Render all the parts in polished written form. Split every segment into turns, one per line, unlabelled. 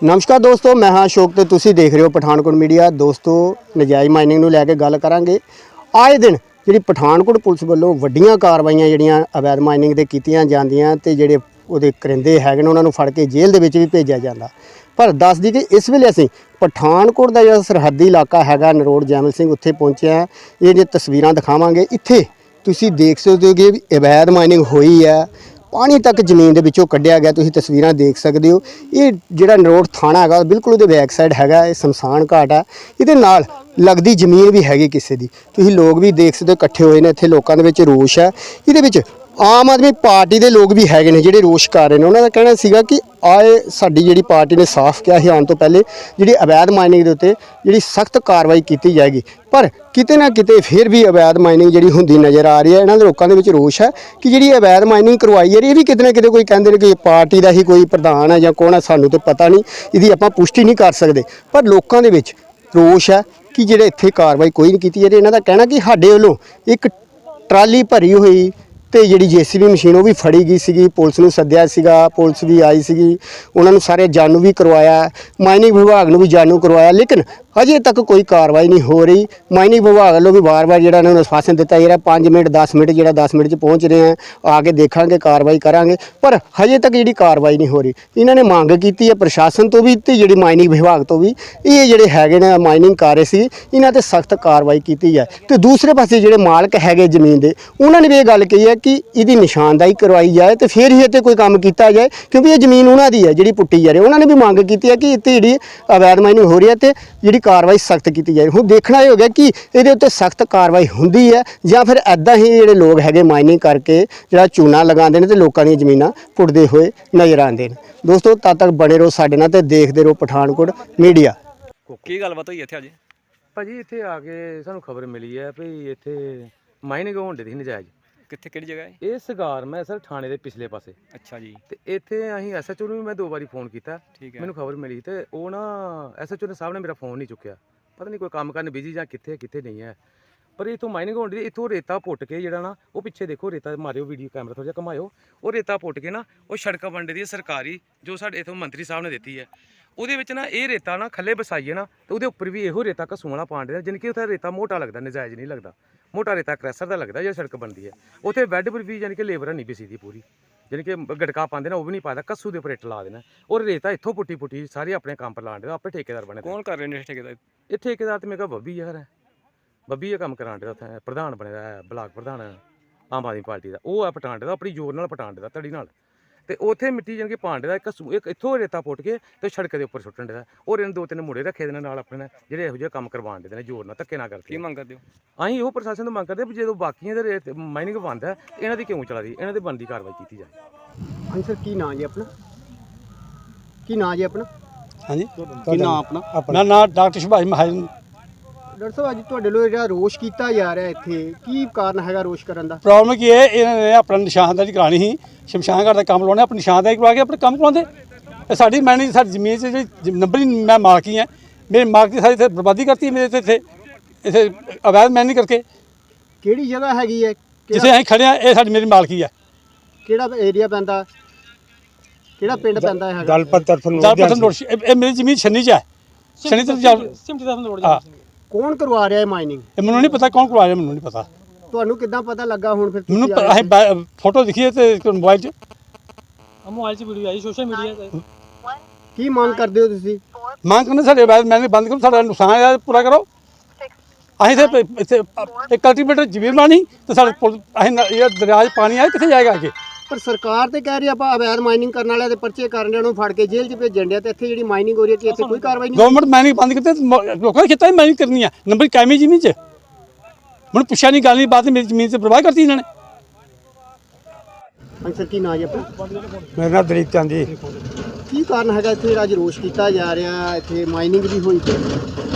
नमस्कार दोस्तों, मैं हाँ अशोक तो तुसी देख रहे हो पठानकोट मीडिया। दोस्तों नजायज़ माइनिंग नूं लैके गल करांगे। आए दिन जी पठानकोट पुलिस वालों वड्डियां कार्रवाइयां जिहड़ियां अवैध माइनिंग ते कीतियां जांदियां ते जिहड़े उहदे करिंदे हैगे ने उन्हां नूं फड़ के जेल दे विच भी भेजिया जांदा। पर दस दी कि इस वेले असीं पठानकोट दा जिहड़ा सरहदी इलाका हैगा नरोड़ जैमल सिंह उत्थे पहुंचे हैं। ये जे तस्वीरां दिखावांगे, इत्थे तुसीं देख सकदे हो कि अवैध माइनिंग होई है। पानी तक जमीन के विचों कढ़िया गया। तुसीं तस्वीरां देख सकते हो। ये जिहड़ा नरोड़ थाना हैगा बिल्कुल उहदे बैक साइड हैगा। ये शमशान घाट है। इहदे नाल लगदी जमीन भी हैगी किसी दी। तुसीं लोग भी देख सकते हो इकट्ठे होए ने। इत्थे लोकां दे विच रोष है। इहदे विच आम आदमी पार्टी के लोग भी हैगे ने जिहड़े रोष कर रहे हैं। उन्होंने कहना सीगा कि आए साडी जिहड़ी पार्टी ने साफ किया ही आने तो पहले जिहड़ी अवैध माइनिंग के उत्ते जिहड़ी सख्त कार्रवाई की जाएगी। पर किते ना किते फिर भी अवैध माइनिंग जिहड़ी हुंदी नज़र आ रही है। इन्हां दे लोकां दे विच रोष है कि जिहड़ी अवैध माइनिंग करवाई है ये भी किते ना किते कोई कहंदे ने कि पार्टी का ही कोई प्रधान है जां कौन है, सानूं तो पता नहीं, इहदी आपां पुष्टि नहीं कर सकते। पर लोकां दे विच रोष है कि जिहड़े इत्थे कार्रवाई कोई नहीं की जा रही। इन्हां दा कहना कि साडे वल्लों एक ट्राली भरी हुई तो जी JCB मशीन वो भी फड़ी गई सी। पुलिस नूं सद्दिया सीगा, पुलिस भी आई सी, उन्होंने सारे जानू भी करवाया, माइनिंग विभाग नूं भी जानू करवाया, लेकिन अजे तक कोई कार्रवाई नहीं हो रही। माइनिंग विभाग वालों भी बार बार जिहड़ा उन्होंने आश्वासन दिता जा रहा 5 मिनट 10 मिनट जिहड़ा 10 मिनट पहुँच रहे हैं, आके देखांगे कार्रवाई करांगे, पर हजे तक जिहड़ी कार्रवाई नहीं हो रही। इन्होंने मांग की है प्रशासन तो भी ते जिहड़ी माइनिंग विभाग तो भी, ये जिहड़े हैगे ने माइनिंग कर रहे सी इन्हां ते सख्त कार्रवाई की जाए। तो दूसरे पासे जिहड़े मालक हैगे जमीन दे उन्होंने भी ये गल कही है कि इसकी निशानदाही करवाई जाए तो फिर ही इत्ते कोई काम किया जाए, क्योंकि ये जमीन उन्हों की है जिहड़ी पुट्टी जा रही है। उन्होंने भी मांग की है कि इत्ते जिहड़ी अवैध माइनिंग हो रही है तो जिहड़ी कार्रवाई सख्त की जाए। हुण देखना ये हो गया कि इहदे उत्ते सख्त कार्रवाई हुंदी है जां फिर ऐदां ही जिहड़े लोग हैगे माइनिंग करके जिहड़ा चूना लगांदे ने ते लोकां दी जमीनां पुट्टदे होए नज़र आंदे ने। दोस्तों तद तक बने रहो साडे नाल ते देखदे रहो पठानकोट मीडिया।
की गलबात होई इत्थे अज
भाजी इत्थे आके सानू खबर मिली है भई इत्थे माइनिंग होण दी नजायज़।
कित्थे किहड़ी जगह है?
ਇਹ ਸਗਾਰ ਮੈਂ ਸਰ ਥਾਣੇ ਦੇ ਪਿਛਲੇ ਪਾਸੇ।
अच्छा जी,
ਤੇ ਇੱਥੇ ਅਸੀਂ SHO ਨੂੰ ਵੀ ਮੈਂ 2 ਵਾਰੀ ਫੋਨ ਕੀਤਾ।
ठीक है।
ਮੈਨੂੰ ਖਬਰ ਮਿਲੀ ਤੇ ਉਹ ਨਾ SHO ਨੇ ਸਾਹਿਬ ਨੇ ਮੇਰਾ ਫੋਨ ਨਹੀਂ ਚੁੱਕਿਆ। ਪਤਾ ਨਹੀਂ ਕੋਈ ਕੰਮ ਕਰਨ ਬਿਜੀ ਜਾਂ ਕਿੱਥੇ ਨਹੀਂ ਹੈ। ਪਰ ਇਥੋਂ ਮਾਈਨਿੰਗ ਹੋਣ ਦੀ, ਇਥੋਂ ਰੇਤਾ ਪੁੱਟ ਕੇ ਜਿਹੜਾ ਨਾ ਉਹ ਪਿੱਛੇ ਦੇਖੋ ਰੇਤਾ ਮਾਰਿਓ, ਵੀਡੀਓ ਕੈਮਰਾ ਥੋੜਾ ਜਿਹਾ ਘਮਾਇਓ, ਉਹ ਰੇਤਾ ਪੁੱਟ ਕੇ ਨਾ ਉਹ ਸੜਕ ਵੰਡੇ ਦੀ ਸਰਕਾਰੀ ਜੋ ਸਾਡੇ ਇਥੋਂ ਮੰਤਰੀ ਸਾਹਿਬ ਨੇ ਦਿੱਤੀ ਹੈ। ਉਹਦੇ ਵਿੱਚ ਨਾ ਇਹ ਰੇਤਾ ਨਾ ਖੱਲੇ ਵਸਾਈਏ ਨਾ ਤੇ ਉਹਦੇ ਉੱਪਰ ਵੀ ਇਹੋ ਰੇਤਾ ਘਸੂ ਵਾਲਾ ਪਾਣ ਦੇ, ਜਾਣੀ ਕਿ ਉੱਥੇ ਰੇਤਾ ਮੋਟਾ ਲੱਗਦਾ, ਨਜਾਇਜ਼ ਨਹੀਂ ਲੱਗਦਾ। ਮੋਟਾ ਰੇਤਾ ਕ੍ਰੈਸ਼ਰ ਦਾ ਲੱਗਦਾ ਜਿਹੜਾ ਸੜਕ ਬਣਦੀ ਹੈ। ਉੱਥੇ ਬੈੱਡ ਪਰ ਵੀ ਜਾਣੀ ਕਿ ਲੇਬਰ ਨਹੀਂ ਪੀਸੀ ਦੀ ਪੂਰੀ, ਜਾਣੀ ਕਿ ਗੜਕਾ ਪਾਉਂਦੇ ਨਾ ਉਹ ਵੀ ਨਹੀਂ ਪਾਦਾ, ਕੱਸੂ ਦੇ ਉੱਪਰ ਇੱਟ ਲਾ ਦੇਣਾ। ਔਰ ਰੇਤਾ ਇੱਥੋਂ ਪੁੱਟੀ ਸਾਰੇ ਆਪਣੇ ਕੰਮ ਪਰ ਲਾਣ ਦੇ, ਆਪੇ ਠੇਕੇਦਾਰ ਬਣੇ।
कौन कर रहे हैं ठेकेदार?
ਇਹ ਠੇਕੇਦਾਰ ਤੇ ਮੇਰਾ ਬੱਬੀ ਯਾਰ ਹੈ, ਬੱਬੀ ਇਹ ਕੰਮ ਕਰਾਣ ਦੇ ਉੱਥੇ ਪ੍ਰਧਾਨ ਬਣਿਆ ਹੈ, ਬਲਾਕ ਪ੍ਰਧਾਨ ਆਮ ਆਦਮੀ ਪਾਰਟੀ ਦਾ। ਉਹ ਹੈ ਪਟਾਣ ਦੇ ਦਾ, ਆਪਣੀ ਜ਼ੋਰ ਨਾਲ ਪਟਾਣ ਦੇ ਦਾ, ਧੜੀ ਨਾਲ। ਤੇ ਉੱਥੇ ਮਿੱਟੀ ਜਾਣੀ ਕਿ ਪਾਂਡੇ ਦਾ ਇੱਕ ਇੱਥੋਂ ਰੇਤਾ ਪੁੱਟ ਕੇ ਤੇ ਸੜਕ ਦੇ ਉੱਪਰ ਸੁੱਟਣ ਦੇ ਦਾ। ਔਰ ਇਹਨਾਂ 2-3 ਮੁੰਡੇ ਰੱਖੇ ਦੇ ਨਾਲ ਆਪਣੇ ਜਿਹੜੇ ਇਹੋ ਜਿਹੇ ਕੰਮ ਕਰਵਾਉਣ ਦੇ ਨੇ, ਜ਼ੋਰ ਨਾਲ ਧੱਕੇ ਨਾ ਕਰਕੇ।
की मंग करते हो?
ਅਸੀਂ ਉਹ ਪ੍ਰਸ਼ਾਸਨ ਤੋਂ ਮੰਗ ਕਰਦੇ ਵੀ ਜਦੋਂ ਬਾਕੀਆਂ ਦੇ ਰੇਤ ਮਾਈਨਿੰਗ ਬੰਦ ਹੈ ਇਹਨਾਂ ਦੀ ਕਿਉਂ ਚਲਾ ਰਹੀ, ਇਹਨਾਂ ਦੇ ਬਣਦੀ ਕਾਰਵਾਈ ਕੀਤੀ ਜਾਏ।
ਹਾਂਜੀ ਸਰ, ਕੀ ਨਾਂ ਜੀ ਆਪਣਾ? ਕੀ ਨਾਂ ਜੀ ਆਪਣਾ?
हाँ जी,
ਕੀ ਨਾਂ ਆਪਣਾ?
मेरा नाम डॉक्टर सुभाष महाजन।
ਡਾਕਟਰ ਸਾਹਿਬ ਅੱਜ ਤੁਹਾਡੇ ਲੋਕ ਜਿਹੜਾ ਰੋਸ਼ ਕੀਤਾ ਜਾ ਰਿਹਾ ਇੱਥੇ, ਕੀ ਕਾਰਨ ਹੈਗਾ ਰੋਸ਼ ਕਰਨ ਦਾ?
प्रॉब्लम की है इन्होंने अपना निशानदारी करानी ही, शमशान घाट का काम करवाना, अपनी निशानदारी करवा के अपने काम करवाते। साड़ी मैंने सारी जमीन से जी नंबर ही मैं मालकी है, मेरे मालक की सारी इत्थे बर्बादी करती है मेरे इत्थे अवैध मैनिंग करके।
ਕਿਹੜੀ ਜਗ੍ਹਾ ਹੈਗੀ ਹੈ?
जिसे अं खड़े हैं ये साड़ी मेरी मालकी है।
ਕਿਹੜਾ ਏਰੀਆ ਪੈਂਦਾ, ਕਿਹੜਾ ਪਿੰਡ ਪੈਂਦਾ ਹੈਗਾ?
ये मेरी जमीन छन्नी च है, छन्नी तरफ। हाँ,
ਕੌਣ ਕਰਵਾ ਰਿਹਾ ਹੈ ਮਾਈਨਿੰਗ?
ये मैनू नहीं पता कौन करवा रहा, मैनू नहीं पता।
ਤੁਹਾਨੂੰ ਕਿੱਦਾਂ ਪਤਾ ਲੱਗਾ ਹੁਣ ਫਿਰ?
मैनू फोटो दिखी है मोबाइल
मोबाइल से वीडियो आई सोशल मीडिया ते।
ਕੀ ਮੰਗ ਕਰਦੇ ਹੋ ਤੁਸੀਂ?
मांग करने साढ़े अवैध मैनिंग बंद करो, साढ़ा नुकसान है पूरा करो। अं इतने कल्टीवेटर जमीन बनानी तो साढ़े ये दरिया पानी आए कितने जाएगा आगे?
ਪਰ ਸਰਕਾਰ ਤੇ ਕਹਿ ਰਹੀ ਆਪਾਂ ਅਵੈਧ ਮਾਈਨਿੰਗ ਕਰਨ ਵਾਲਿਆਂ ਦੇ ਪਰਚੇ ਕਰਨ ਵਾਲਿਆਂ ਨੂੰ ਫੜ ਕੇ ਜੇਲ੍ਹ 'ਚ ਭੇਜਣ ਡਿਆ, ਤੇ ਇੱਥੇ ਜਿਹੜੀ ਮਾਈਨਿੰਗ ਹੋ ਰਹੀ ਹੈ ਕਿ ਇੱਥੇ ਕੋਈ ਕਾਰਵਾਈ ਨਹੀਂ?
गवर्नमेंट मैनिंग बंद करते लोगों ने कितना मैनिंग करनी है, नंबर कायमी जमीन च मैंने पूछा नहीं, गल नहीं बात, मेरी जमीन से बर्बाद करती इन्होंने।
ਹਾਂਜੀ ਸਰ, ਕੀ ਨਾਂ ਜੀ ਆਪਣਾ?
मेरा नाम दलीप चंद जी।
ਕੀ ਕਾਰਨ ਹੈਗਾ ਇੱਥੇ ਜਿਹੜਾ ਅੱਜ ਰੋਸ਼ ਕੀਤਾ ਜਾ ਰਿਹਾ, ਇੱਥੇ ਮਾਈਨਿੰਗ ਵੀ ਹੋਈ ਤੇ?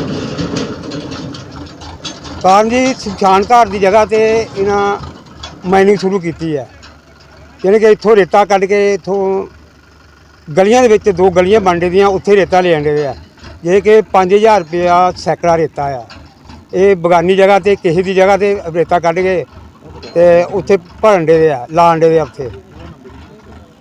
ਕਾਰਨ ਜੀ ਸ਼ਮਸ਼ਾਨ ਘਾਟ ਦੀ ਜਗ੍ਹਾ ਤੇ ਇਹਨਾਂ ਮਾਈਨਿੰਗ ਸ਼ੁਰੂ ਕੀਤੀ ਹੈ। ਯਾਨੀ ਕਿ ਇੱਥੋਂ ਰੇਤਾ ਕੱਢ ਕੇ ਇੱਥੋਂ ਗਲੀਆਂ ਦੇ ਵਿੱਚ 2 ਗਲੀਆਂ ਬਣਦੇ ਦੀਆਂ ਉੱਥੇ ਰੇਤਾ ਲੈ ਆਉਂਦੇ ਆ, ਜੇ ਕਿ 5000 ਰੁਪਇਆ ਸੈਕੜਾ ਰੇਤਾ ਆ। ਇਹ ਬਗਾਨੀ ਜਗ੍ਹਾ ਤੇ ਕਿਸੇ ਦੀ ਜਗ੍ਹਾ ਤੇ ਰੇਤਾ ਕੱਢ ਕੇ ਤੇ ਉੱਥੇ ਭਰਨ ਦੇ ਆ, ਲਾਣ ਦੇ ਆ ਉੱਥੇ।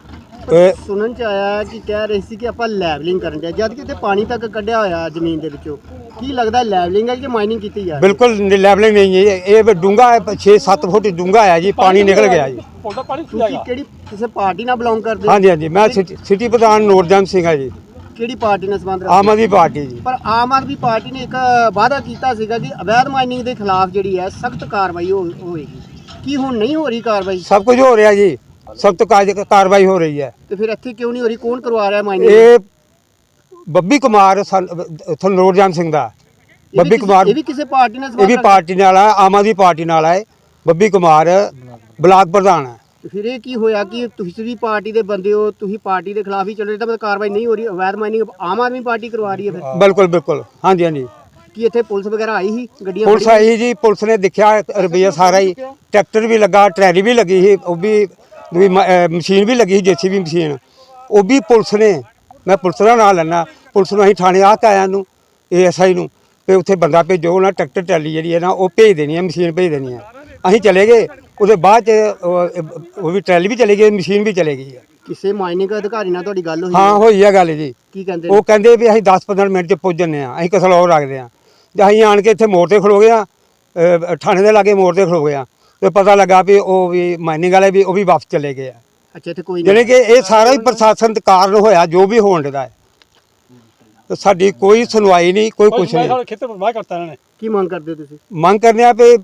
ਸੁਣਨ ਚ ਆਇਆ ਕਿ ਕਹਿ ਰਹੇ ਸੀ ਕਿ ਆਪਾਂ ਲੈਵਲਿੰਗ ਕਰਨ ਦੇ ਜਦ ਕਿ ਇੱਥੇ ਪਾਣੀ ਤੱਕ ਕੱਢਿਆ ਹੋਇਆ ਜ਼ਮੀਨ ਦੇ ਵਿੱਚੋਂ ਕੀ ਲੱਗਦਾ ਲੈਵਲਿੰਗ ਹੈ ਕਿ ਮਾਈਨਿੰਗ ਕੀਤੀ ਜਾ ਰਹੀ
ਬਿਲਕੁਲ ਲੈਵਲਿੰਗ ਨਹੀਂ ਹੈ ਇਹ ਡੂੰਘਾ 6-7 ਫੁੱਟ ਡੂੰਘਾ ਹੈ ਜੀ, ਪਾਣੀ ਨਿਕਲ ਗਿਆ ਜੀ।
ਉਹਦਾ ਪਾਣੀ
ਤੁਸੀਂ ਕਿਹੜੀ ਕਿਸੇ ਪਾਰਟੀ ਨਾਲ ਬਿਲੋਂਗ ਕਰਦੇ ਹੋ?
ਹਾਂਜੀ ਹਾਂਜੀ, ਮੈਂ ਸਿਟੀ ਪ੍ਰਧਾਨ ਨੂਰਜਨ ਸਿੰਘ ਹੈ ਜੀ,
ਕਿਹੜੀ ਪਾਰਟੀ ਨਾਲ ਸੰਬੰਧ
ਆਮ
ਰੱਖਦੇ
ਆਦਮੀ ਪਾਰਟੀ ਜੀ।
ਪਰ ਆਮ ਆਦਮੀ ਪਾਰਟੀ ਨੇ ਇੱਕ ਵਾਅਦਾ ਕੀਤਾ ਸੀਗਾ ਕਿ ਅਵੈਧ ਮਾਈਨਿੰਗ ਦੇ ਖਿਲਾਫ ਜਿਹੜੀ ਹੈ ਸਖਤ ਕਾਰਵਾਈ ਹੋਏਗੀ, ਕੀ ਹੁਣ ਨਹੀਂ ਹੋ ਰਹੀ ਕਾਰਵਾਈ?
ਸਭ ਕੁਝ ਹੋ ਰਿਹਾ ਜੀ, ਸਖਤ ਕਾਰਵਾਈ ਹੋ ਰਹੀ ਹੈ।
ਤੇ ਫਿਰ ਇੱਥੇ ਕਿਉਂ ਨਹੀਂ ਹੋ ਰਹੀ? ਕੌਣ ਕਰਵਾ ਰਿਹਾ ਮਾਈਨਿੰਗ?
ਇਹ ਬੱਬੀ ਕੁਮਾਰ ਉੱਥੋਂ ਨੂਰਜਨ ਸਿੰਘ ਦਾ ਬੱਬੀ ਕੁਮਾਰ,
ਇਹ ਵੀ ਕਿਸੇ ਪਾਰਟੀ ਨਾਲ
ਇਹ
ਸੰਬੰਧ
ਵੀ
ਰੱਖਦਾ?
ਪਾਰਟੀ ਨਾਲ ਆ, ਆਮ ਆਦਮੀ ਪਾਰਟੀ ਨਾਲ ਹੈ। ਬੱਬੀ ਕੁਮਾਰ ਬਲਾਕ ਪ੍ਰਧਾਨ ਹੈ।
ਤੇ ਫਿਰ ਇਹ ਕੀ ਹੋਇਆ ਕਿ ਤੁਸੀਂ ਵੀ ਪਾਰਟੀ ਦੇ ਬੰਦੇ ਹੋ, ਤੁਸੀਂ ਪਾਰਟੀ ਦੇ ਖਿਲਾਫ ਹੀ ਚੱਲ ਰਹੇ ਤਾਂ ਮਤਲਬ ਕਾਰਵਾਈ ਨਹੀਂ ਹੋ ਰਹੀ? ਅਵੈਧ ਮਾਈਨਿੰਗ ਆਮ ਆਦਮੀ ਪਾਰਟੀ ਕਰਵਾ ਰਹੀ ਹੈ ਫਿਰ?
ਬਿਲਕੁਲ ਬਿਲਕੁਲ, ਹਾਂਜੀ ਹਾਂਜੀ।
ਕੀ ਇੱਥੇ ਪੁਲਿਸ ਵਗੈਰਾ ਆਈ ਸੀ? ਗੱਡੀਆਂ
ਪੁਲਿਸ ਆਈ ਜੀ, ਪੁਲਿਸ ਨੇ ਦੇਖਿਆ ਰੁਪਈਆ ਸਾਰਾ ਹੀ, ਟਰੈਕਟਰ ਵੀ ਲੱਗਾ, ਟਰੈਲੀ ਵੀ ਲੱਗੀ ਸੀ, ਉਹ ਵੀ ਮਸ਼ੀਨ ਵੀ ਲੱਗੀ ਸੀ, ਜੇਸੀਬੀ ਮਸ਼ੀਨ, ਉਹ ਵੀ ਪੁਲਿਸ ਨੇ, ਮੈਂ ਪੁਲਿਸ ਦਾ ਨਾਂ ਲੈਣਾ, ਪੁਲਿਸ ਨੂੰ ਅਸੀਂ ਥਾਣੇ ਆ ਕੇ ਆਇਆ ਨੂੰ ASI ਨੂੰ ਤੇ ਉੱਥੇ ਬੰਦਾ ਭੇਜੋ, ਉਹਨਾਂ ਟਰੈਕਟਰ ਟਰੈਲੀ ਜਿਹੜੀ ਹੈ ਨਾ ਉਹ ਭੇਜ ਦੇਣੀ ਹੈ, ਮਸ਼ੀਨ ਭੇਜ ਦੇਣੀ ਹੈ। ਅਸੀਂ ਚਲੇ ਗਏ, ਉਹਦੇ ਬਾਅਦ ਚ ਉਹ ਵੀ ਟਰੈਲੀ ਵੀ ਚਲੀ ਗਈ, ਮਸ਼ੀਨ ਵੀ ਚਲੇ ਗਈ ਹੈ।
ਕਿਸੇ ਮਾਈਨਿੰਗ ਅਧਿਕਾਰੀ ਨਾਲ ਤੁਹਾਡੀ ਗੱਲ ਹੋਈ?
ਹਾਂ ਹੋਈ ਹੈ ਗੱਲ ਜੀ।
ਕੀ ਕਹਿੰਦੇ
ਉਹ ਕਹਿੰਦੇ ਵੀ ਅਸੀਂ 10-15 ਮਿੰਟ ਚ ਪੁੱਜ ਜੰਨੇ ਆ, ਅਸੀਂ ਕਸਲੌਰ ਰੱਖਦੇ ਆ। ਤੇ ਅਸੀਂ ਆਣ ਕੇ ਇੱਥੇ ਮੋੜ ਤੇ ਖਲੋ ਗਏ ਆ, ਥਾਣੇ ਦੇ ਲਾਗੇ ਮੋੜ ਤੇ ਖਲੋ ਗਏ ਆ, ਤੇ ਪਤਾ ਲੱਗਾ ਵੀ ਉਹ ਵੀ ਮਾਈਨਿੰਗ ਵਾਲੇ ਵੀ ਉਹ ਵੀ ਵਾਪਸ ਚਲੇ ਗਏ ਆ।
ਅੱਛਾ, ਇੱਥੇ ਕੋਈ
ਜਾਣੀ ਕਿ ਇਹ ਸਾਰਾ ਹੀ ਪ੍ਰਸ਼ਾਸਨ ਦੇ ਕਾਰਨ ਹੋਇਆ ਜੋ ਵੀ ਹੋਣ ਡਦਾ ਹੈ। ਤੇ ਸਾਡੀ ਕੋਈ ਸੁਣਵਾਈ ਨਹੀਂ, ਕੋਈ ਕੁਛ ਨਹੀਂ।
ਸਾਡੇ ਖੇਤਰ ਬਰਬਾਦ ਕਰਤਾ ਇਹਨਾਂ ਨੇ।
ਕੀ ਮੰਗ ਕਰਦੇ ਹੋ ਤੁਸੀਂ?
ਮੰਗ ਕਰਨੇ ਆ ਵੀ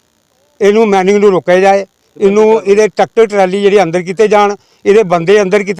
ਇਹਨੂੰ ਮਾਈਨਿੰਗ ਨੂੰ ਰੋਕਿਆ ਜਾਏ, ਇਹਨੂੰ ਇਹਦੇ ਟਰੈਕਟਰ ਟਰਾਲੀ ਜਿਹੜੇ ਅੰਦਰ ਕੀਤੇ ਜਾਣ, ਇਹਦੇ ਬੰਦੇ ਅੰਦਰ ਕੀਤੇ